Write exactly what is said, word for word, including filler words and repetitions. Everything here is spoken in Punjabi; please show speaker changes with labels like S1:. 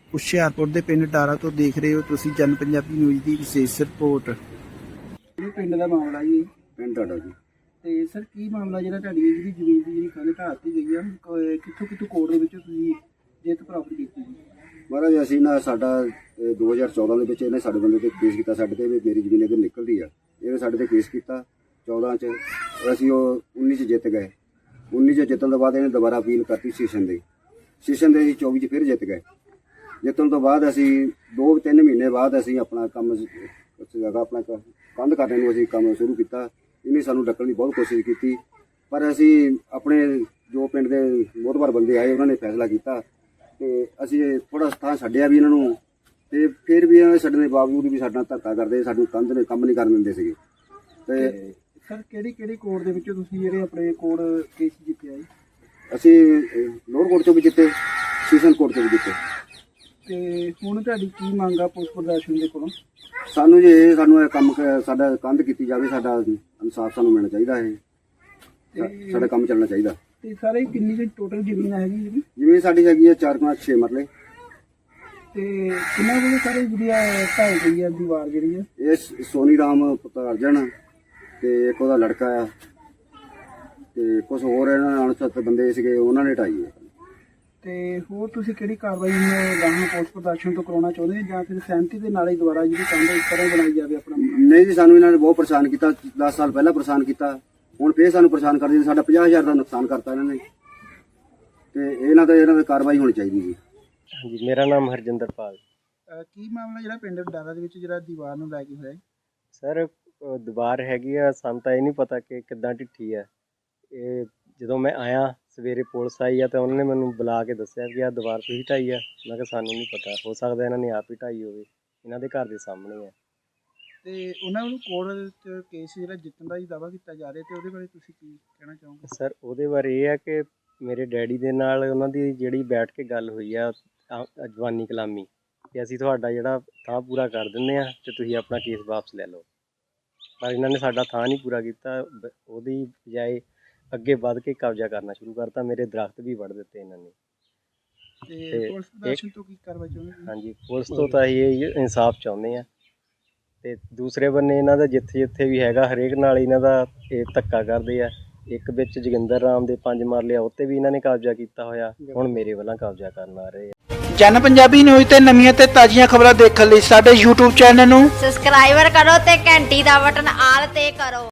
S1: ਹੁਸ਼ਿਆਰਪੁਰ ਦੇ ਪਿੰਡ ਡਾਰਾ ਤੋਂ ਦੇਖ ਰਹੇ ਹੋ ਤੁਸੀਂ ਜਨ ਪੰਜਾਬੀ ਨਿਊਜ਼ ਦੀ ਵਿਸ਼ੇਸ਼ ਰਿਪੋਰਟ।
S2: ਇਹ ਪਿੰਡ ਦਾ ਮਾਮਲਾ ਜੀ,
S3: ਪਿੰਡ ਤੁਹਾਡਾ ਜੀ।
S2: ਤੇ ਸਰ ਕੀ ਮਾਮਲਾ ਜਿਹੜਾ ਤੁਹਾਡੀ ਜਿਹੜੀ ਜ਼ਮੀਨ ਦੀ ਜਿਹੜੀ ਕੰਧ ਢਾਹ ਦਿੱਤੀ ਗਈ ਆ, ਕ- ਕਿੱਥੋਂ ਕਿੱਥੋਂ ਕੋਰਟ ਦੇ ਵਿੱਚ ਤੁਸੀਂ ਜਿੱਤ ਪ੍ਰਾਪਤ ਕੀਤੀ ਜੀ?
S3: ਮਹਾਰਾਜ ਅਸੀਂ ਨਾ ਸਾਡਾ ਇਹ ਦੋ ਹਜ਼ਾਰ ਚੌਦਾਂ ਦੇ ਵਿੱਚ ਇਹਨੇ ਸਾਡੇ ਬੰਦੇ ਤੇ ਕੇਸ ਕੀਤਾ, ਸਾਡੇ ਤੇ ਵੀ ਮੇਰੀ ਜ਼ਮੀਨ ਇੱਧਰ ਨਿਕਲਦੀ ਆ। ਇਹਨੇ ਸਾਡੇ ਤੇ ਕੇਸ ਕੀਤਾ ਚੌਦਾਂ 'ਚ, ਅਸੀਂ ਉਹ ਉੱਨੀ 'ਚ ਜਿੱਤ ਗਏ। ਉੱਨੀ 'ਚ ਜਿੱਤਣ ਤੋਂ ਬਾਅਦ ਇਹਨੇ ਦੁਬਾਰਾ ਅਪੀਲ ਕਰਤੀ ਸੈਸ਼ਨ ਦੇ ਸੈਸ਼ਨ ਦੇ ਅਸੀਂ ਚੌਵੀ 'ਚ ਫਿਰ ਜਿੱਤ ਗਏ। ਜਿੱਤਣ ਤੋਂ ਬਾਅਦ ਅਸੀਂ ਦੋ ਤਿੰਨ ਮਹੀਨੇ ਬਾਅਦ ਅਸੀਂ ਆਪਣਾ ਕੰਮ ਜਗ੍ਹਾ ਆਪਣਾ ਕ- ਕੰਧ ਕਰਨ ਨੂੰ ਅਸੀਂ ਕੰਮ ਸ਼ੁਰੂ ਕੀਤਾ। ਇਹਨੇ ਸਾਨੂੰ ਡੱਕਣ ਦੀ ਬਹੁਤ ਕੋਸ਼ਿਸ਼ ਕੀਤੀ, ਪਰ ਅਸੀਂ ਆਪਣੇ ਜੋ ਪਿੰਡ ਦੇ ਮੋਹਤਬਰ ਬੰਦੇ ਆਏ ਉਹਨਾਂ ਨੇ ਫੈਸਲਾ ਕੀਤਾ ਤੇ ਅਸੀਂ ਥੋੜਾ ਥਾਂ ਛੱਡਿਆ ਵੀ ਇਹਨਾਂ ਨੂੰ, ਤੇ ਫਿਰ ਵੀ ਇਹਨਾਂ ਦੇ ਛੱਡਣ ਦੇ ਬਾਵਜੂਦ ਵੀ ਸਾਡਾ ਧੱਕਾ ਕਰਦੇ, ਸਾਨੂੰ ਕੰਧ ਨੇ ਕੰਮ ਨਹੀਂ ਕਰਨ ਦਿੰਦੇ ਸੀਗੇ। ਤੇ
S2: ਤੇ ਸਰ ਕਿਹੜੀ ਕਿਹੜੀ ਕੋਰਟ ਦੇ ਵਿੱਚੋਂ ਤੁਸੀਂ ਜਿਹੜੇ ਆਪਣੇ ਕੋਰਟ ਕੇਸ ਜਿੱਤਿਆ ਜੀ?
S3: ਅਸੀਂ ਲੋਅਰ ਕੋਰਟ 'ਚੋਂ ਵੀ ਜਿੱਤੇ, ਸੈਸ਼ਨ ਕੋਰਟ 'ਚੋਂ ਵੀ ਜਿੱਤੇ।
S2: ਤੇ ਹੁਣ ਤੁਹਾਡੀ ਕੀ ਮੰਗ ਆ ਪੁਲਿਸ ਪ੍ਰਸ਼ਾਸਨ ਦੇ ਕੋਲੋਂ?
S3: ਸਾਨੂੰ ਜੇ ਇਹ ਸਾਨੂੰ ਇਹ ਕੰਮ ਕ- ਸਾਡਾ ਕੰਧ ਕੀਤੀ ਜਾਵੇ, ਸਾਡਾ ਇਨਸਾਫ ਸਾਨੂੰ ਮਿਲਣਾ ਚਾਹੀਦਾ ਹੈ।
S2: ਤੇ
S3: ਸਾਡਾ ਕੰਮ ਚੱਲਣਾ ਚਾਹੀਦਾ।
S2: ਤੇ ਸਾਰੇ ਕਿੰਨੀ ਕੁ ਟੋਟਲ ਜ਼ਮੀਨ ਹੈਗੀ ਜੀ?
S3: ਜਿਵੇਂ ਸਾਡੀ ਹੈਗੀ ਹੈ ਚਾਰ ਪੰਜ ਛੇ ਮਰਲੇ।
S2: ਤੇ ਕਿੰਨਾ ਕੁ ਸਾਰੇ ਜਿਹੜੀ ਆ ਢਾਈ ਗਈ ਆ ਦੀਵਾਰ ਜਿਹੜੀ ਆ?
S3: ਇਹ ਸ- ਸੋਨੀ ਰਾਮ ਪੁੱਤਰ ਅਰਜਨ ਤੇ ਇੱਕ ਉਹਦਾ ਲੜਕਾ ਆ ਤੇ ਕੁਝ ਹੋਰ ਇਹਨਾਂ ਨਾਲ ਅਣਸੁੱਤ ਬੰਦੇ ਸੀਗੇ, ਉਹਨਾਂ ਨੇ ਢਾਈ ਹੈ।
S2: ਤੇ ਹੋਰ ਤੁਸੀਂ ਕਿਹੜੀ ਕਾਰਵਾਈ ਗਾਹਾਂ ਪੁਲਿਸ ਪ੍ਰਸ਼ਾਸਨ ਤੋਂ ਕਰਾਉਣਾ ਚਾਹੁੰਦੇ ਜਾਂ ਫਿਰ ਸਹਿਮਤੀ ਦੇ ਨਾਲ ਹੀ ਦੁਬਾਰਾ ਜਿਹੜੀ ਕੰਧ ਇਸ ਤਰ੍ਹਾਂ ਬਣਾਈ ਜਾਵੇ ਆਪਣਾ?
S3: ਨਹੀਂ ਜੀ, ਸਾਨੂੰ ਇਹਨਾਂ ਨੇ ਬਹੁਤ ਪਰੇਸ਼ਾਨ ਕੀਤਾ, ਦਸ ਸਾਲ ਪਹਿਲਾਂ ਪਰੇਸ਼ਾਨ ਕੀਤਾ, ਹੁਣ ਫੇਰ ਸਾਨੂੰ ਪਰੇਸ਼ਾਨ ਕਰਦੇ। ਸਾਡਾ ਪੰਜਾਹ ਹਜ਼ਾਰ ਦਾ ਨੁਕਸਾਨ ਕਰਤਾ ਇਹਨਾਂ ਨੇ, ਤੇ ਇਹਨਾਂ ਤੇ ਇਹਨਾਂ ਦੀ ਕਾਰਵਾਈ ਹੋਣੀ ਚਾਹੀਦੀ ਜੀ।
S4: ਹਾਂਜੀ, ਮੇਰਾ ਨਾਮ ਹਰਜਿੰਦਰਪਾਲ।
S2: ਅਹ ਕੀ ਮਾਮਲਾ ਜਿਹੜਾ ਪਿੰਡ ਡਾਰਾ ਦੇ ਵਿੱਚ ਜਿਹੜਾ ਦੀਵਾਰ ਨੂੰ ਲੈ ਕੇ ਹੋਇਆ ਹੈ?
S4: ਸਰ ਅਹ ਦੀਵਾਰ ਹੈਗੀ ਆ, ਸਾਨੂੰ ਤਾਂ ਇਹ ਨਹੀਂ ਪਤਾ ਕਿ ਕਿੱਦਾਂ ਢਿੱਠੀ ਆ। ਇਹ ਜਦੋਂ ਮੈਂ ਆਇਆ ਸਵੇਰੇ ਪੁਲਿਸ ਆਈ ਆ ਤਾਂ ਉਹਨਾਂ ਨੇ ਮੈਨੂੰ ਬੁਲਾ ਕੇ ਦੱਸਿਆ ਕਿ ਆਹ ਦੀਵਾਰ ਤੁਸੀਂ ਢਾਈ ਆ। ਮੈਂ ਕਿਹਾ ਸਾਨੂੰ ਨਹੀਂ ਪਤਾ, ਹੋ ਸਕਦਾ ਇਹਨਾਂ ਨੇ ਆਪ ਹੀ ਢਾਈ ਹੋਵੇ, ਇਹਨਾਂ ਦੇ ਘਰ ਦੇ ਸਾਹਮਣੇ ਆ।
S2: ਤੇ ਉਹਨਾਂ ਨੂੰ ਕੋਰਟ 'ਚ ਕੇਸ ਜਿਹੜਾ ਜਿੱਤਣ ਦਾ ਹੀ ਦਾਅਵਾ ਕੀਤਾ ਜਾ ਰਿਹਾ, ਤੇ ਉਹਦੇ ਬਾਰੇ ਤੁਸੀਂ ਕੀ ਕਹਿਣਾ ਚਾਹੋਗੇ?
S4: ਸਰ ਉਹਦੇ ਬਾਰੇ ਇਹ ਆ ਕਿ ਮੇਰੇ ਡੈਡੀ ਦੇ ਨਾਲ ਉਹਨਾਂ ਦੀ ਜਿਹੜੀ ਬੈਠ ਕੇ ਗੱਲ ਹੋਈ ਆ ਅ- ਜਵਾਨੀ ਕਲਾਮੀ, ਕਿ ਅਸੀਂ ਤੁਹਾਡਾ ਜਿਹੜਾ ਥਾਂ ਪੂਰਾ ਕਰ ਦਿੰਦੇ ਆ ਤੇ ਤੁਸੀਂ ਆਪਣਾ ਕੇਸ ਵਾਪਸ ਲੈ ਲਓ। ਪਰ ਇਹਨਾਂ ਨੇ ਸਾਡਾ ਥਾਂ ਨਹੀਂ ਪੂਰਾ ਕੀਤਾ, ਬ- ਉਹਦੀ ਬਜਾਏ ਅੱਗੇ ਵੱਧ ਕੇ ਕਬਜ਼ਾ ਕਰਨਾ ਸ਼ੁਰੂ ਕਰਤਾ। ਮੇਰੇ ਦਰਖਤ ਵੀ ਵੱਢ ਦਿੱਤੇ ਇਹਨਾਂ ਨੇ।
S2: ਤੇ
S4: ਤੇ
S2: ਪੁਲਿਸ ਪ੍ਰਸ਼ਾਸਨ ਤੋਂ ਕੀ ਕਾਰਵਾਈ ਚਾਹੁੰਦੇ ਤੁਸੀਂ?
S4: ਹਾਂਜੀ, ਪੁਲਿਸ ਤੋਂ ਤਾਂ ਅਸੀਂ ਇਹ ਇਨਸਾਫ ਚਾਹੁੰਦੇ ਆ। ਤੇ ਦੂਸਰੇ ਬੰਨੇ ਇਹਨਾਂ ਦਾ ਜਿੱਥੇ ਜਿੱਥੇ ਵੀ ਹੈਗਾ ਹਰੇਕ ਨਾਲ ਇਹਨਾਂ ਦਾ ਇਹ ਧੱਕਾ ਕਰਦੇ ਆ। ਇੱਕ ਵਿੱਚ ਜੋਗਿੰਦਰ ਰਾਮ ਦੇ ਪੰਜ ਮਰਲੇ ਆ, ਉੱਤੇ ਵੀ ਇਹਨਾਂ ਨੇ ਕਬਜ਼ਾ ਕੀਤਾ ਹੋਇਆ, ਹੁਣ ਮੇਰੇ ਵੱਲੋਂ ਕਬਜ਼ਾ ਕਰਨ ਆ ਰਹੇ ਆ।
S1: ਜਨ ਪੰਜਾਬੀ ਨਿਊਜ਼ ਤੇ ਨਵੀਆਂ ਤੇ ਤਾਜ਼ੀਆਂ ਖਬਰਾਂ ਦੇਖਣ ਲਈ ਸਾਡੇ YouTube ਚੈਨਲ ਨੂੰ
S5: ਸਬਸਕ੍ਰਾਈਬਰ ਕਰੋ ਤੇ ਘੰਟੀ ਦਾ ਬਟਨ ਆਲ ਤੇ ਕਰੋ।